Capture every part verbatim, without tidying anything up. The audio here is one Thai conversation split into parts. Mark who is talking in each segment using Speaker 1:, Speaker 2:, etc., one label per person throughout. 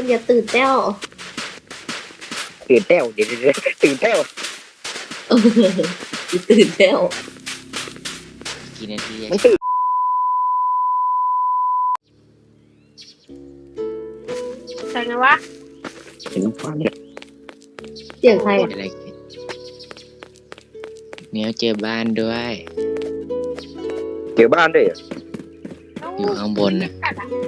Speaker 1: อย่าตื่นเต้ว
Speaker 2: ตื่นเต้วเดี๋ยวเดี๋ยวตื่นเต้ว
Speaker 1: เอออย่าตื่นเต้ว
Speaker 3: กี่นาที
Speaker 2: มันตื่น
Speaker 4: ใช่ไงวะ
Speaker 2: เห็นฟังเนี่ย
Speaker 1: เสียงใครอ่ะ
Speaker 3: อะไรเนี่ยเจอบ้านด้วย
Speaker 2: เจอบ้านด้วยเหรอ
Speaker 3: อยู่ข้างบนน่ะ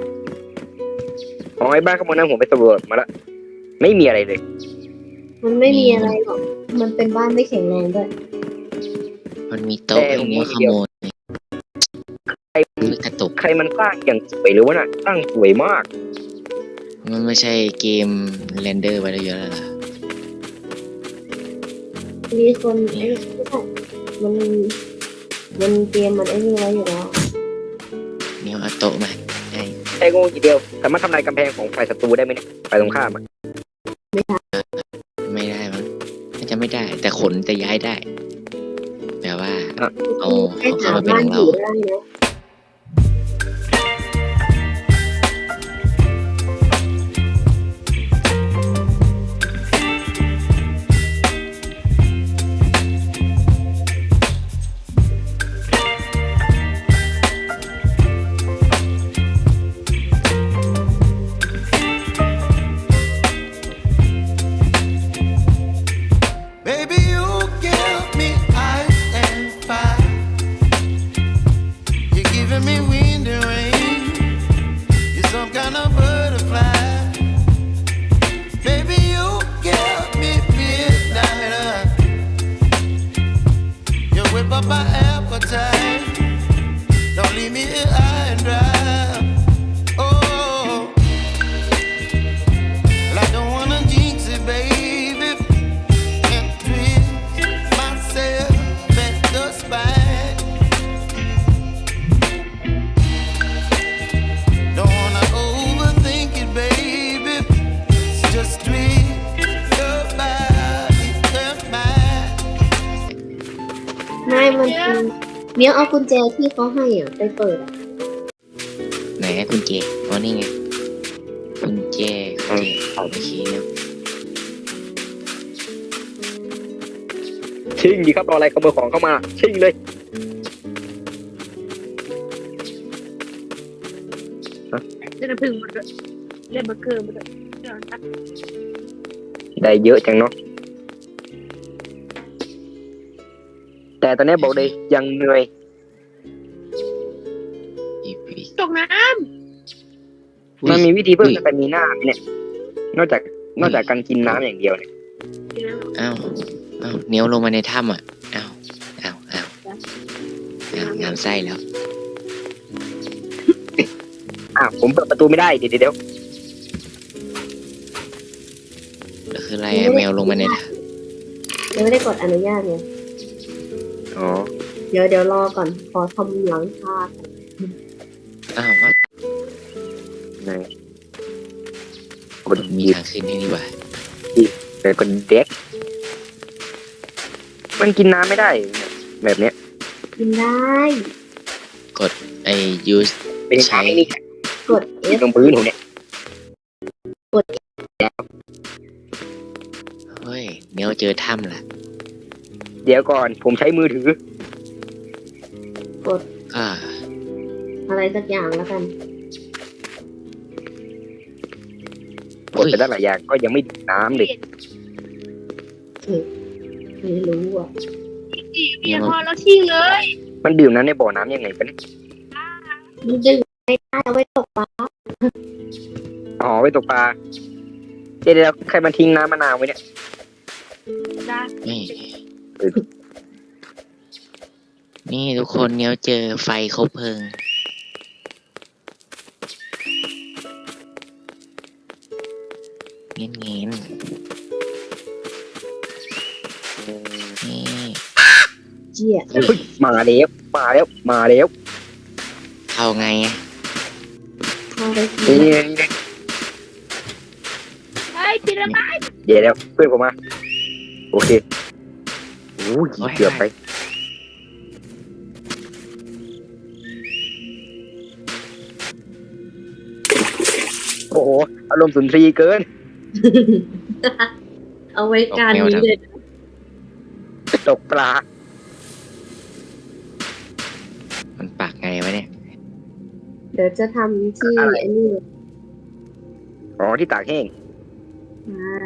Speaker 2: ของไอ้บ้านข้างบนนั้นผมไปสำรวจมาแล้วไม่มีอะไรเลย
Speaker 1: มันไม่มีอะไรหรอกมันเป็นบ้านไม่แข็งแรงด้วย
Speaker 3: มันมีโต๊ะไอ้เนี่ยขโมย
Speaker 2: ใคร
Speaker 3: กระตุก
Speaker 2: ใครมันสร้างอย่างสวยหรือวะน่ะสร้างสวยมาก
Speaker 3: มันไม่ใช่เกมเรนเดอร์ไว้แล้วเยอะแล้วล่ะ
Speaker 1: มีคนไอ้ไม่ใช่มันมันเกมมันไอ้นี่ไว้อยู่แล้ว
Speaker 3: เนี่ยเอาโต๊ะมาใช่
Speaker 2: ใช้โง่ทีเดียวสามารถทำลายกำแพงของฝ่ายศัตรูได้ไหมเนี่ยฝ่ายตรงข้ามอ่ะ
Speaker 3: ไม่ได้มั้งน่าจะไม่ได้แต่ขนจะย้ายได้แปลว่าเอาเอาเข้ามาเป็นของเรา
Speaker 5: My appetite, don't leave me here high and dry. Oh, well, I don't wanna jinx it, baby, and twist myself at the spine. Don't wanna overthink it, baby, it's just twist your body and mine.
Speaker 1: ไม่มันเป็นเมียเอากุญแจที่เขาให้อ่ะไปเปิดอ่ะ
Speaker 3: ไหนกุญแจอ๋อนี่ไงกุญแจกุญแจเอาไปชี้แล้ว
Speaker 2: ชิงดีครับรออะไรขโมยของเข้ามาชิงเลย
Speaker 4: เล่นพึ่งมันเลยเล่นเบอร์เกอร์มันเลย
Speaker 2: ได้เยอะจังเนาะแต่ตอนนี้บอกเลยยังเหนื่อย
Speaker 4: ตกน้
Speaker 2: ำมันมีวิธีเพิ่มสเตมิน่าไหมเนี่ยนอกจากนอกจากการกินน้ำอย่างเดียวเนี่ย
Speaker 3: อ้าวอ้าวเนี้ยวลงมาในถ้ำอ่ะอ้าวอ้าวอ้าวอ้าวงามไส้แล้ว
Speaker 2: อ้าวผมเปิดประตูไม่ได้เดี๋ยวเดี๋ยว
Speaker 3: แล้วคืออะไรแมวลงมาในถ้ำ
Speaker 1: ยังไม่ได้กดอนุญาตไง
Speaker 2: อ๋อ
Speaker 1: เดี๋ยวเดี๋ยวรอก่อนขอทำหลังคา
Speaker 3: อ้าวว่า
Speaker 2: ไหน
Speaker 3: กดมีทางขึ้นนี่ดีกว่า
Speaker 2: แต่กดเด็กมันกินน้ำไม่ได้แบบเนี้ย
Speaker 1: กินได้
Speaker 3: กดไอ้ use
Speaker 2: เป็นใช้นี่
Speaker 1: กด F
Speaker 2: ตรงพื้นผมเนี่ย
Speaker 1: กด
Speaker 3: เฮ้ยเนี้ยเจอถ้ำล่ะ
Speaker 2: เดี๋ยวก่อนผมใช้มือถือก
Speaker 1: ด
Speaker 3: อ่า
Speaker 1: อะไรสักอย่างแล้วกัน
Speaker 2: กดไปได้หลายอย่างก็ยังไม่ดื่มน้ำเลย
Speaker 1: ไม่รู้อ่ะ
Speaker 4: เบียร์พอแล้วทิ้งเลย
Speaker 2: มันดื่มน้ำในบ่อน้ำยังไงกัน
Speaker 1: มันดื่มไม่ได้เอาไว้ตกปลา
Speaker 2: อ๋อไว้ตกปลาเดี๋ยวเดี๋ยวใครมาทิ้งน้ำมะนาวไว้เนี่ย
Speaker 3: นี่นี่ทุกคนเนี้ยเจอไฟคบเพลิงเงี้ยเงี้ยนี่
Speaker 1: เจี๊ย
Speaker 2: มาแล้วมาแล้วมาแล้ว
Speaker 3: เข้าไงอ่ะ
Speaker 1: เข้าไป
Speaker 2: นี่นี่นี่
Speaker 4: เฮ้ยปิดระบาย
Speaker 2: เดี๋ยวเดี๋ยวเพื่อนผมมาโอเคโอ้ยเกือบไปโอ้โหอารมณ์สุนทรีย์เกิน
Speaker 1: เอาไว้การนี้เลย
Speaker 2: ตกปลา
Speaker 3: มันปากไงวะเนี่ย
Speaker 1: เดี๋ยวจะทำที่ไอ้นี่
Speaker 2: อ๋อที่ตากแห้ง
Speaker 1: อ่า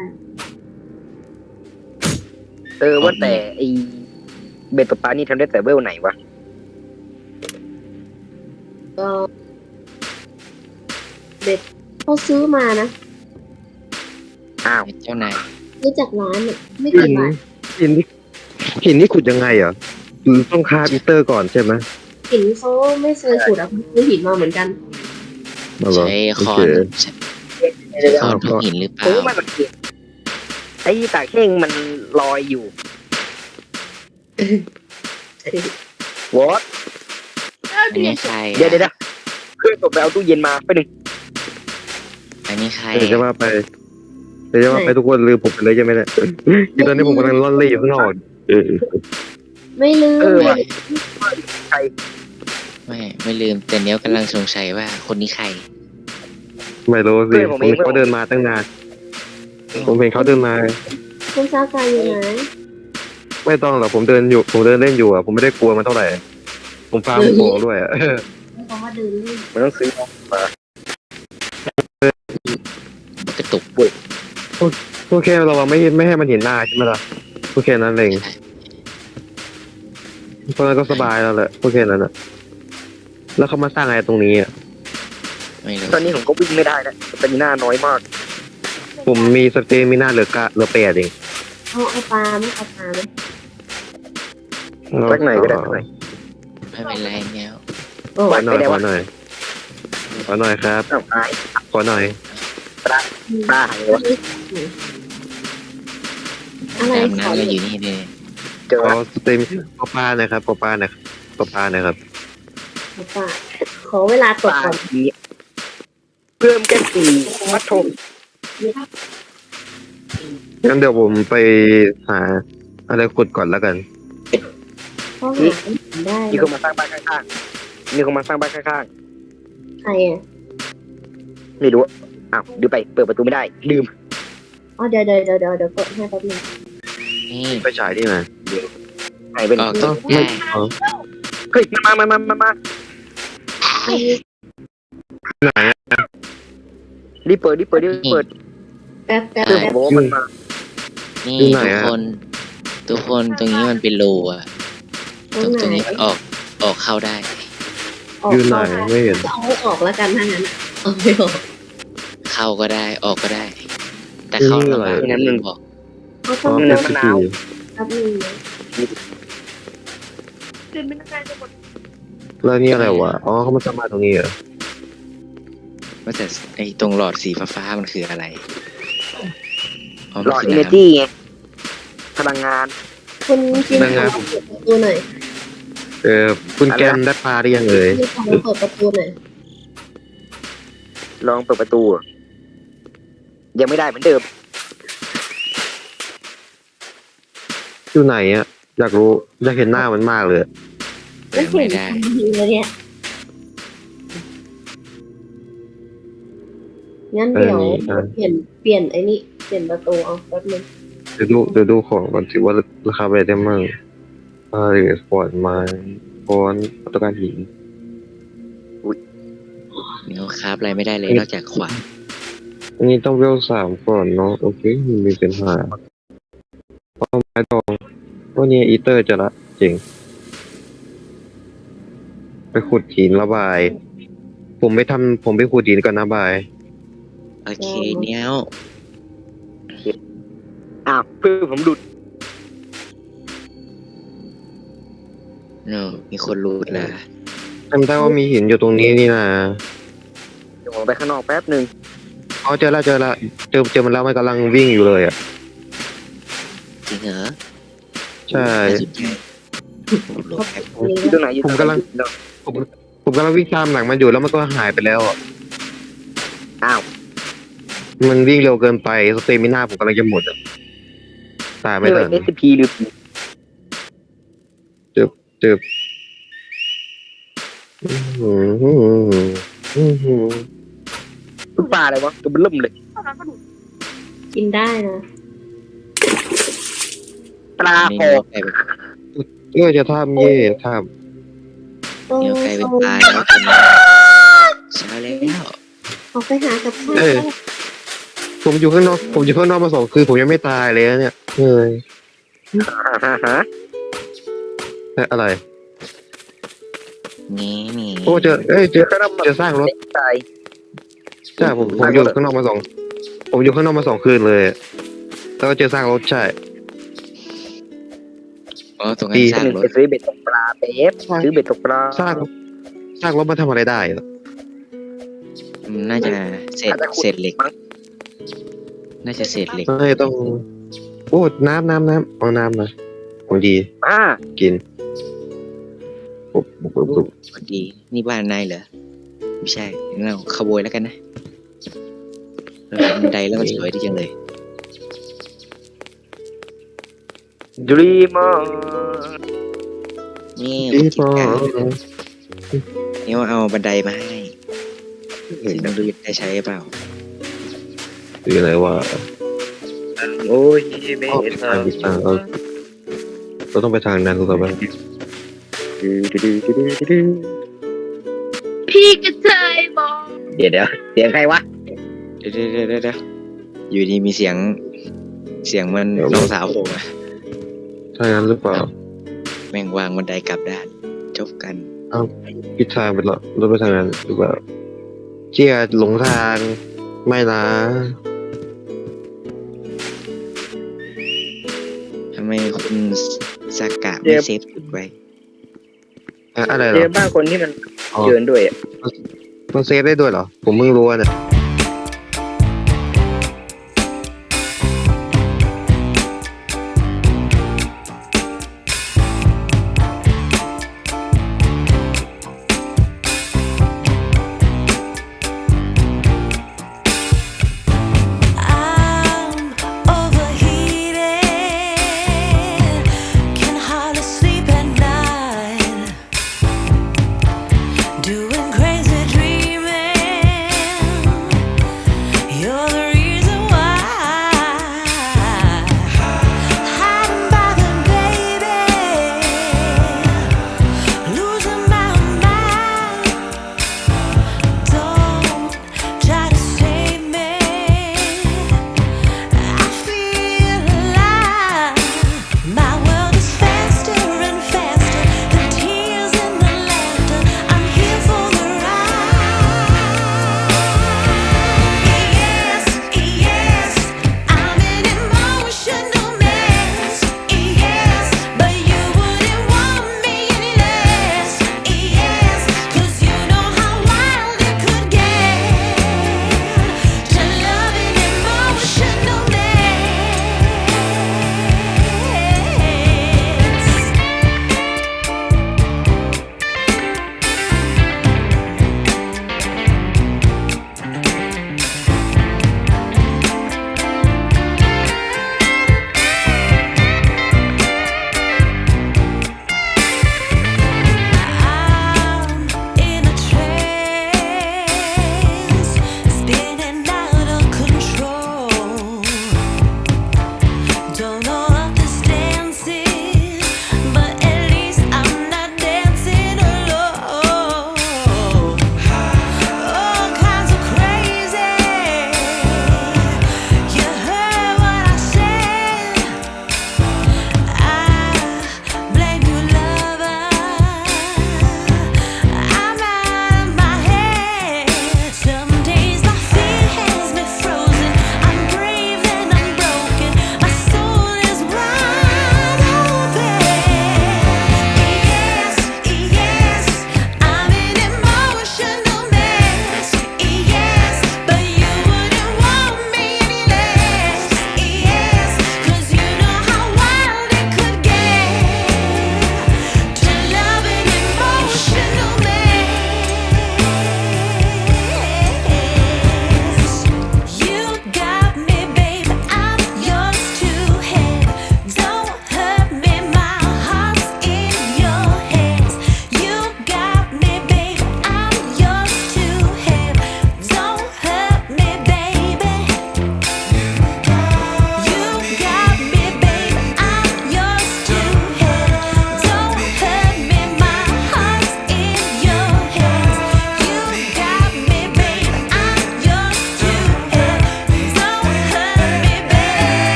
Speaker 2: เออว่าแต่ไอเบ็ดตกปลานี่ทำได้แต่เวลไหนวะ
Speaker 1: ก็เด็ดเขาซื้อมานะ
Speaker 2: อ้าว
Speaker 3: เจ้านาย
Speaker 1: รู้จักร้านเนี่ยไม่กี่บาท
Speaker 6: หินที่หินนี่ขุดยังไงอ่ะคือต้องคาบิเตอร์ก่อนใช่ไหม
Speaker 1: หินเขาไม่เคยขุดอ่ะซื้อหินมาเหมือนกัน
Speaker 6: มาเหรอ
Speaker 3: ใช้
Speaker 6: โอ
Speaker 3: คอ
Speaker 6: เคน
Speaker 3: ใช้คอนทุกหินหรือเป
Speaker 2: ผม
Speaker 3: ล่า
Speaker 2: ว่ามันสังเกตไอ้ตากแห้งมันลอยอยู่วอต
Speaker 3: อันนี้ใคร
Speaker 2: เดี๋ยวเดี๋ยวเดี๋ยวเพื่อนผมไปเอาตู้เย็นมาไปหนึ่ง
Speaker 3: อันนี้ใคร
Speaker 6: เดี๋ยวจะว่าไปเดี๋ยวจะว่าไปทุกคนลืมผมไปเลยใช่ไหมเนี่ยคือตอนนี้ผมกำลังล่อนเล่อยู่ข้างนอกเออ
Speaker 1: ไม่ลืม
Speaker 2: เออ
Speaker 1: เล
Speaker 2: ว่ะ
Speaker 1: ย
Speaker 2: ใคร
Speaker 3: ไม่ไม่ลืมแต่เนี้ยกำลังสงสัยว่าคนนี้ใคร
Speaker 6: ไม่รู้สิผมเห็นเขาเดินมาตั้งนานผมเห็นเขาเดินมา
Speaker 1: คุณซากายอยู่ไหน
Speaker 6: ไม่ต้องหรอกผมเดินอยู่ผมเดินเล่นอยู่อ่ะผมไม่ได้กลัวมันเท่าไหร่ผมฟาร์มของด้วยอ่ะ
Speaker 1: เขามาเดินเล่น
Speaker 2: มันต้องซื้อมา
Speaker 3: กระตุก
Speaker 6: โอเคเราไม่ไม่ให้มันเห็นหน้าใช่ไหมล่ะโอเคนั้นเองเพราะนั้นก็สบายแล้วแหละโอเคนั้นอ่ะแล้วเขามาสร้างอะไรตรงนี้อ่ะ
Speaker 3: ไม่รู้
Speaker 2: ตอนนี้ผมก็วิ่งไม่ได้นะสเตมิน่าน้อยมาก
Speaker 6: ผมมีสเตมิน่าเหลือกะเหลือแปดเอง
Speaker 1: เอาเอาปลาไหมเอาปลาไหม
Speaker 2: สักหน่อยก็ได้สักหน่อย
Speaker 3: ไม่เป็นไรเนี้ย
Speaker 1: โอ้
Speaker 6: ขอหน่อยขอหน่อยขอหน่อยครับ
Speaker 2: อ้าวหาย
Speaker 6: ขอหน่อย
Speaker 2: ปลาหายวะ
Speaker 1: อะไร
Speaker 3: ตาม
Speaker 1: ขอ
Speaker 3: น้ำก็อยู่นี่เลย
Speaker 2: เจอ
Speaker 6: ขอสเตมขอปลาหน่อยครับขอปลาหน่อยขอปลาหน่อยครับ
Speaker 1: เอาปลาขอเวลาต
Speaker 2: ป
Speaker 1: ก
Speaker 2: ลา
Speaker 1: ก่อน
Speaker 2: ทีเพิ่มแค่สี่มัดทม
Speaker 6: งั้นเดี๋ยวผมไปหาอะไรขุดก่อนแล้วกัน
Speaker 1: เพราะหาไม่ได้
Speaker 2: มีคนมาสร้างบ้านข้างๆมีคนมาสร้างบ้านข้าง
Speaker 1: ใครอ่ะ
Speaker 2: ๆไม่รู้อ้าวดูไปเปิดประตูไม่ได้ลืม
Speaker 1: อ๋อเดี๋ยวเดี๋ยวเดี๋ยวเดี๋ยวเดี๋ยวกดให้แป๊บนึง
Speaker 3: นี่
Speaker 6: ไปฉายที่ไหน
Speaker 2: หายไปไหน
Speaker 3: ออกต้อง
Speaker 6: ไม่
Speaker 3: ได้
Speaker 6: อ๋อ
Speaker 2: เฮ้ยมามามามามา
Speaker 1: อันนี้
Speaker 6: ไหนอะ
Speaker 2: รีบเปิดรีบเปิดรีบเปิด
Speaker 1: แป๊บแป๊บ
Speaker 2: เพื่อน
Speaker 1: แป๊บ
Speaker 2: บอกว่ามันมา
Speaker 3: นี่
Speaker 6: อยู่ไหน
Speaker 3: ทุก
Speaker 6: อะ
Speaker 3: คน ทุกคนตรงนี้มันเป็นรูอ่ะ
Speaker 1: ต
Speaker 3: ต
Speaker 1: ร
Speaker 3: รง ง
Speaker 1: ไห
Speaker 3: ตรง
Speaker 1: น
Speaker 3: นี้มันออกออกเข้าได้
Speaker 1: ออก
Speaker 6: อยู่ไหน
Speaker 1: เข้า
Speaker 6: ไม่เห็น
Speaker 1: จะเอาให้ออกแล้วกันถ้างั้นเอาไม่ออก
Speaker 3: เข้าก็ได้ออกก็ได้ แต่เข้าลำบากนะลืมบอก
Speaker 1: เขา
Speaker 6: อ๋
Speaker 1: ต้
Speaker 6: อ
Speaker 1: อง
Speaker 6: เป็
Speaker 1: เริ่
Speaker 6: น
Speaker 1: ม
Speaker 6: ส
Speaker 2: มะ
Speaker 6: กิ
Speaker 2: นาว
Speaker 6: ล
Speaker 1: แป๊บนึงนะ
Speaker 4: คือไม่ได้จะหมด
Speaker 6: แล้วนี่อะไรวะอ๋อเขามาสร้างบ้านตรงนี้เหรอ
Speaker 3: ว่าแต่ไอ้ตรงหลอดสีฟ้าๆมันคืออะไรอ๋อ
Speaker 2: หล
Speaker 3: มัน
Speaker 2: อด
Speaker 3: คือ
Speaker 2: อินเนอร์
Speaker 3: น้ำ
Speaker 2: จี้ไงพลังงาน
Speaker 1: คุณกินขอเปิดประตูหน่อย
Speaker 6: เออคุณแกมได้ปลาได้ยังเอ่ย
Speaker 1: กินขอเปิดประตูหน่อย
Speaker 2: ลองเปิดประตูยังไม่ได้เหมือนเดิม
Speaker 6: อยู่ไหนอ่ะอยากรู้อยากเห็นหน้ามันมากเลย
Speaker 3: เปิดไม่ได้
Speaker 1: ทันทีเลยเนี่ยงั้นเดี๋ยวเปลี่ยนเปลี่ยนไอ้นี่เปลี่ยนประตูเอาแป๊บนึง
Speaker 6: เดี๋ยวดูเดี๋ยวดูของก่อนสิว่าราคาไปได้มั่งอ่าหรือสปอร์ตไม้ฟอนต์อัตการหิน
Speaker 3: เดี๋ยวคราฟอะไรไม่ได้เลยนอกจากขวาน
Speaker 6: อันนี้ต้องเวลสามก่อนเนาะโอเคไมันมีเป็นหาเอาไม้ดองวันนี้อีเตอร์จะละเจ๋งไปขุดหินระบาย ผมไปทำผมไปขุดหินก่อนนะบาย
Speaker 3: โอเคเนี้ย
Speaker 2: อ้าวเพื่อนผมดุด
Speaker 3: เนอะมีคนรูดละ
Speaker 6: จำได้ว่ามีหินอยู่ตรงนี้นี่นะ
Speaker 2: เดี๋ยวผมไปข้างนอกแป๊บหนึ่ง
Speaker 6: อ๋อเจอละเจอละเจอเจอมันแล้วมันกำลังวิ่งอยู่เลยอ่ะ
Speaker 3: จริงเหรอ
Speaker 6: ใช่
Speaker 3: สุดยอดรูดแอป
Speaker 2: อยู่ตรงไหนอยู่ตรงไหน
Speaker 6: ผมกำลัง ผมผมกำลังวิ่งตามหลังมันอยู่แล้วมันก็หายไปแล้วอ่ะ
Speaker 2: อ้าว
Speaker 6: มันวิ่งเร็วเกินไปสเตมิน่าผมกำลังจะหมดอ่ะตายไม่
Speaker 2: ไม่
Speaker 6: ทั
Speaker 2: ว่าน เอสพีหรือผี
Speaker 6: เจ็บอื้อหืออื้อหือ
Speaker 2: ปลาลาอะไรวะตัวมันเริ่มเลย
Speaker 4: เท่านั้นก็ดู
Speaker 1: กินได้นะ
Speaker 2: ปลา
Speaker 3: นี่
Speaker 2: คอ
Speaker 3: เนื้อไก่เป็น
Speaker 6: เออจะทำเย่ท
Speaker 1: โอ้
Speaker 3: เนื้อไก่เป็นปลาแล้วคนช้าแล้ว
Speaker 1: ออกไปหากับข้าว
Speaker 6: ำเออผมอยู่ข้างนอกผมอยู่ข้างนอกมาสองคืนผมยังไม่ตายเลยนะเนี่ยเฮ้ย
Speaker 2: ฮ่าฮ่า
Speaker 6: เอ๊ะอะไร
Speaker 3: นี่นี่
Speaker 6: โอ้เจอเอ้ยเจอเจอสร้างรถ
Speaker 2: ตาย
Speaker 6: ใช่ผมผมอยู่ข้างนอกมาสองผมอยู่ข้างนอกมาสองคืนเลยแล้วก็เจอสร้างรถใช่
Speaker 3: อ๋อตรงนั้นสร้าง
Speaker 2: หนึ่ง
Speaker 3: รถ
Speaker 2: ไปซื้อเบ็ดตกปลาเป๊ปซื้อเบ็ดตกปลา
Speaker 6: สร้างสร้างรถมาทำอะไรได้เหรอ
Speaker 3: มันน่าจะเศษเศษเหล็ก น่าจะเศษเหล็ก
Speaker 6: ไม่ต้องโอ้น้ำน้ำน้ำเอาน้ำมาของดี
Speaker 2: อ่า
Speaker 6: กินปุ๊บปุ๊บปุ๊บปุ๊บ
Speaker 3: พอดี นี่บ้านนายเหรอ ไม่ใช่งั้นเราขโมยแล้วกันนะเราเห็นบันไดแล้วมันสวยดีจังเลย
Speaker 2: ดรีมอร์
Speaker 3: นี่
Speaker 6: ดี
Speaker 3: ผม
Speaker 6: พอ
Speaker 3: นี่ว่าเอาบันไดมาให้สิต้องดูได้ใช้เปล่า
Speaker 6: คืออะไรวะ
Speaker 2: โอ้ยเม
Speaker 6: อ๋อไปทางไปทางเราเราต้องไปทางนั้นหรือเปล่า
Speaker 4: พี่กระเทยมอง
Speaker 2: เดี๋ยวเดี๋ยวเสียงใครวะ
Speaker 3: เดี๋ยวเดี๋ยวเดี๋ยวเดี๋ยวอยู่ดีมีเสียง เสียงมันน้องสาวผมอะ
Speaker 6: ทางนั้นหรือเปล่า
Speaker 3: แม่งวางบันไดกลับด้าน จบกัน
Speaker 6: พิดทางไปแล้วเราไปทางนั้นหรือเปล่าเจียหลงทางไม่นะ
Speaker 3: ทำไมคุณสากะไม่เซฟจุดไว้
Speaker 6: อะอะไรเหร
Speaker 2: เจ
Speaker 6: อ
Speaker 2: อบ้านคนที่มัน
Speaker 6: อ๋อ
Speaker 2: เดินด้วยอะ
Speaker 6: มันเซฟได้ด้วยเหรอ ผมเพิ่งรู้อะเนี่ย
Speaker 7: I'm overheated, can hardly sleep at night, doing crazy dreaming.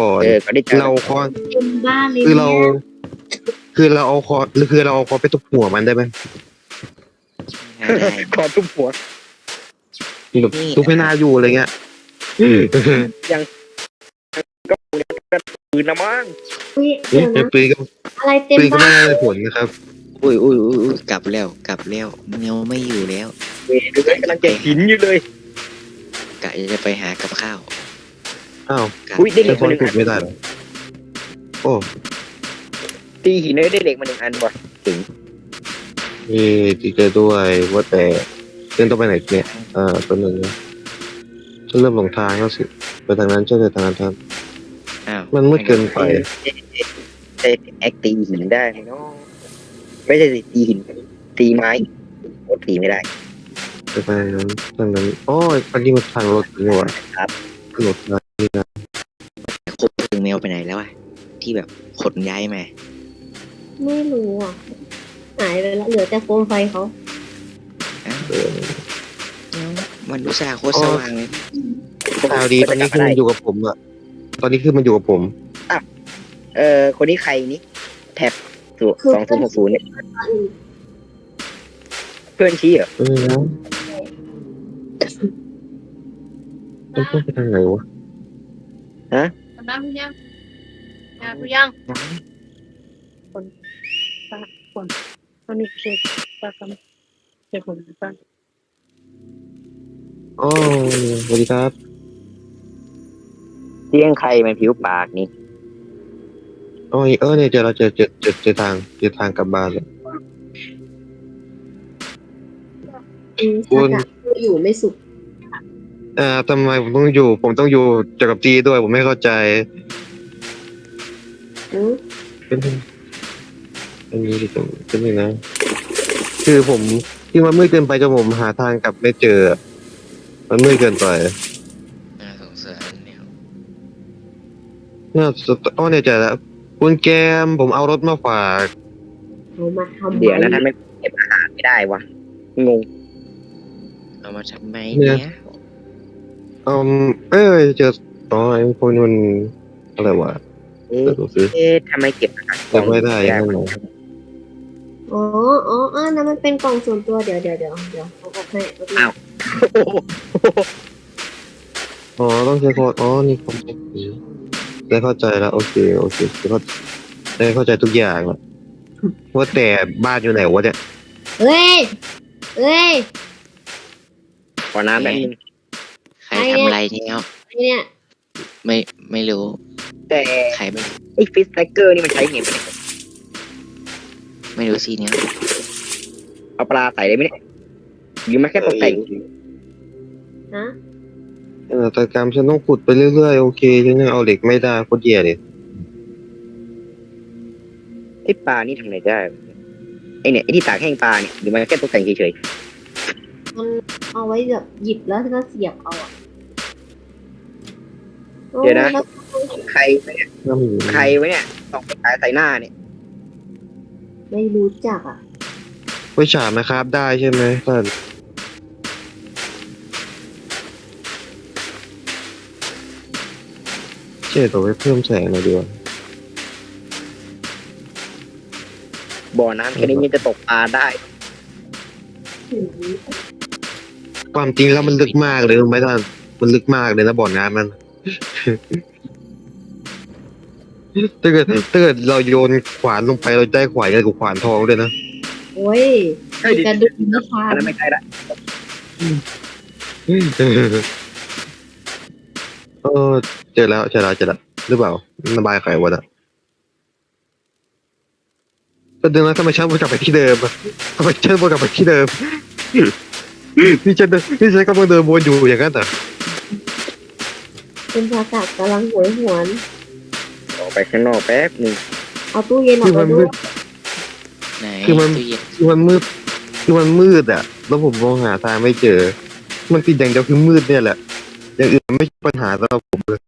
Speaker 6: ก่อน
Speaker 2: เออก็ได้เจอ
Speaker 6: เราคอน
Speaker 1: เต็มบ้านเลย
Speaker 6: คือเรา
Speaker 1: เนี่ย
Speaker 6: คือเราเอาคอนคือเราเอาคอนไปทุบหัวมันได้ไหม
Speaker 3: ไม่ได้
Speaker 2: ขอทุบหัว
Speaker 6: แบบ
Speaker 3: นี่
Speaker 6: ทุบให้หน้าอยู่อะไรเงี้ย
Speaker 2: ก็ปืนละมั้ง
Speaker 1: อุ๊ย
Speaker 6: เอ๊ะ
Speaker 1: เดี๋ยวนะ
Speaker 6: ปืนก็
Speaker 1: อะไรเต็ม
Speaker 6: ปืนก็
Speaker 1: บ้า
Speaker 6: ไม่
Speaker 1: น
Speaker 6: ได้ผลนะครับ
Speaker 3: อุ้ยอุ้ยอุ้ยอุ้ยกลับแล้วกลับแล้วเงาไม่อยู่แล้ว
Speaker 2: เวดูเลยกำลังจะหินอยู่เลย
Speaker 3: กะจะไปหากับข้าว
Speaker 6: อ้าว
Speaker 3: กะ
Speaker 2: อุ้ยได้เห
Speaker 6: ใช้
Speaker 2: ล็ก
Speaker 6: คอ
Speaker 2: มาน หนึ่ง
Speaker 6: ขุ
Speaker 2: อั
Speaker 6: ด
Speaker 2: น
Speaker 6: ไม่ได้เหรอโอ้
Speaker 2: ตีหินเลยได้เหล็กมาหนึ่งอันว่ะถึง
Speaker 6: ยดีใจด้วยว่าแต่เดินต้องไปไหนเนี่ยอ่าตัวหนึ่งนะฉันเริ่มหลงทางแล้วสิไปทางนั้นฉันจะทางนั้นทาง
Speaker 3: อ้าว
Speaker 6: มันมืดเกินไป
Speaker 2: เอ๊ะแอคตีหินได้ไหมเนาะไม่ใช่สิตีหินตีไม้โอ้ตีไม่ได้
Speaker 6: ไปทางนั้นทางนั้นโอ้ยอันนี้มันทางรถนี่หว่า
Speaker 2: ครับ
Speaker 6: รถนะ
Speaker 3: คบถึงแมวไปไหนแล้วอะที่แบบขนย้ายมา
Speaker 1: ไม่รู้อ่ะหายไปแล้วเหลือแต่โคมไฟเขา
Speaker 3: อ้าว
Speaker 6: เออ
Speaker 3: มันอุตส่าห์โคตรสว่างเลย
Speaker 6: ข่าวดีตอนนี้คือมันอยู่กับผมอะตอนนี้คือมันอยู่กับผม
Speaker 2: เออคนนี้ใครนี่แท็บสองศูนย์หกศูนย์เนี่ยเพื่อนชี้เหรอ
Speaker 6: เออนะมันต้องไปทางไหนวะ
Speaker 4: ทำได้หรือยังงานหรือยังคนตาคนตอนนี้เช็คตากำเช็คคนตา
Speaker 6: อ๋อสวัสดีครับ
Speaker 2: เที่ยงใครมันผิวปากนี่
Speaker 6: อ๋อเออเนี่ยเจอเราเจอเจอเจอเจอทางเจอทางกลับบ้านแล้ว
Speaker 1: อืมถ้ากะอยู่ไม่สุข
Speaker 6: อ่าทำไมผมต้องอยู่ ผมต้องอยู่เจอกับจีด้วย ผมไม่เข้าใจ
Speaker 1: อืม
Speaker 6: เป็นอันนี้ดิผมเป็นยังนะ คือผมที่มันมืดเกินไปจนผมหาทางกลับไม่เจอ มันมืดเกินไป
Speaker 3: น่าสงสารเนี่ย
Speaker 6: เนี่ยสุดอ๋อเนี่ยเจอแล้วคุณแกมผมเอารถมาฝาก
Speaker 1: เขามาทำ
Speaker 2: เดี๋ยวนะ
Speaker 1: ไม
Speaker 2: ทำไมเก็บอาหารไม่ได้วะงง
Speaker 3: เอามาทำไมเนี่ย
Speaker 6: อืมเอ้ยเจออ๋อไอ้พวกนี้มันอะไรวะ
Speaker 2: เอ๊ะ
Speaker 6: เดี๋ยวดูสิ
Speaker 2: เอ๊ะทำไมเก็บอาหาร
Speaker 6: จำไม่ได้ยังไง
Speaker 1: อ๋ออ๋ออ๋อนั่นมันเป็นกล่องส่วนตัวเดี๋ยวเดี๋ยวเดี๋ยวเดี๋ยวเขาบอกให้แป๊บนึง
Speaker 2: อ้าว
Speaker 6: อ๋อต้องใช้โค้ดอ๋อนี่ผมใช้ผีได้เข้าใจแล้วโอเคโอเคได้เข้าได้เข้าใจทุกอย่างแล้วว่าแต่บ้านอยู่ไหนวะเนี่ย
Speaker 1: เฮ้ยเฮ้ย
Speaker 2: ขอน้ำแบบนึง
Speaker 3: ใครทำอะไรเนี่ย
Speaker 1: ไอเนี่ย
Speaker 3: ไม่ไม่รู้
Speaker 2: แต่
Speaker 3: ใครไม่
Speaker 2: ไอ้ฟิสแท็กเกอร์นี่มันใช้ไงวะเนี่ย
Speaker 3: ไม่รู้สิเนี่ย
Speaker 2: เอาปลาใส่ได้ไหมเนี่ยหรือมันแค่ตกแต่ง
Speaker 1: ฮะ
Speaker 6: เออแต่กรรมฉันต้องขุดไปเรื่อยๆโอเคฉันยังเอาเหล็กไม่ได้โคตรแย่เลย
Speaker 2: ไอ้ปลานี่ทำอะไรได้วะไอ้เนี่ยไอ้ที่ตากแห้งปลาเนี่ยหรือมันแค่ตกแต่งเฉย
Speaker 1: มันเอาไว้แบบหยิบแล้วก็เสียบเอาอ่ะ
Speaker 2: ๆเดี๋ยวนะ
Speaker 1: โอ้แล้ว
Speaker 2: ใครวะเนี่ย
Speaker 6: น้ำหมู
Speaker 2: ใครวะเนี่ยตอกไปขายใส่หน้าเนี่ย
Speaker 1: ไม่รู้จักอ่ะ
Speaker 6: ไว้ฉาบนะครับได้ใช่ไหมท่านเจ๊ตัวไว้เพิ่มแสงหน่อยดีกว่า
Speaker 2: บ่อน้ำแค่นี้ยังจะตกปลาได้
Speaker 6: ความจริงแล้วมันลึกมากเลยรู้ไหมท่านมันลึกมากเลยนะบ่อน้ำมัน ถ้าเกิดถ้าเกิดเราโยนขวานลงไปเราได้ขวานกันกับขวานทองด้วยนะ
Speaker 1: โอ้ย
Speaker 2: เฮ้ย
Speaker 1: กระดูกนิทา
Speaker 2: อัน
Speaker 1: น
Speaker 2: นั้นไม่ใช่ละ
Speaker 6: เออเจอแล้วเจอแล้วเจอแล้วหรือเปล่าระบายไขวะนะก็เดินแล้วทำไมฉันวนกลับไปที่เดิมอะทำไมฉันวนกลับไปที่เดิม นี่ฉันเดินนี่ฉันกำลังเดินวนอยู่อย่างนั้นเหรอ
Speaker 1: เป็นภาษากำลังหวยหวน
Speaker 2: ออกไปข้างนอกแป๊บหนึง
Speaker 1: เอาตู้เย็นออ
Speaker 6: คื
Speaker 1: ก
Speaker 6: อ
Speaker 1: ไป
Speaker 6: มัน
Speaker 1: ด้
Speaker 6: มื
Speaker 1: วย
Speaker 6: ด
Speaker 3: ไหน
Speaker 6: คือมัน
Speaker 3: ตู้เย็น
Speaker 6: คือมันมืดคือมันมืดอ่ะ แล้วผมมองหาทางไม่เจอ มันติดอย่างเดียวคือมืดเนี่ยแหละ อย่างอื่นไม่ใช่ปัญหาสำหรับผมเลย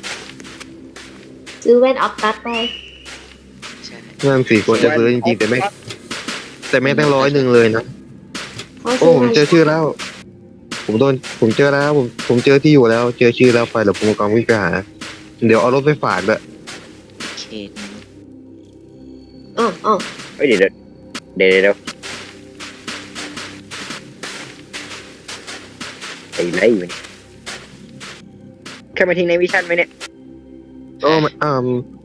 Speaker 1: ซื้อแว่นออฟตัดไป
Speaker 3: ใช่
Speaker 6: นั่นสี่คนจะซื้อจริงๆแต่ไม่แต่ไม่ตั้งร้อยหนึ่งเลยนะ
Speaker 1: เขา
Speaker 6: โอ้
Speaker 1: ซื้อ
Speaker 6: ผมเจอชื่อแล้ว ผมโดนผมเจอแล้ว ผมผมเจอที่อยู่แล้ว เจอชื่อแล้วไปแล้วผมกำลังวิ่งไปหาเดี๋ยวเอารถไปฝากด้วย
Speaker 3: เขต
Speaker 1: อ้าวอ้าว
Speaker 2: เฮ้ยเดี๋ยวเดี๋ยวเดี๋ยวเดี๋ยวไอ้ไรอยู่เนี่ยแค่มาทิ้งในวิชั่นไหมเนี่ย
Speaker 6: โอ้ไม่อ่า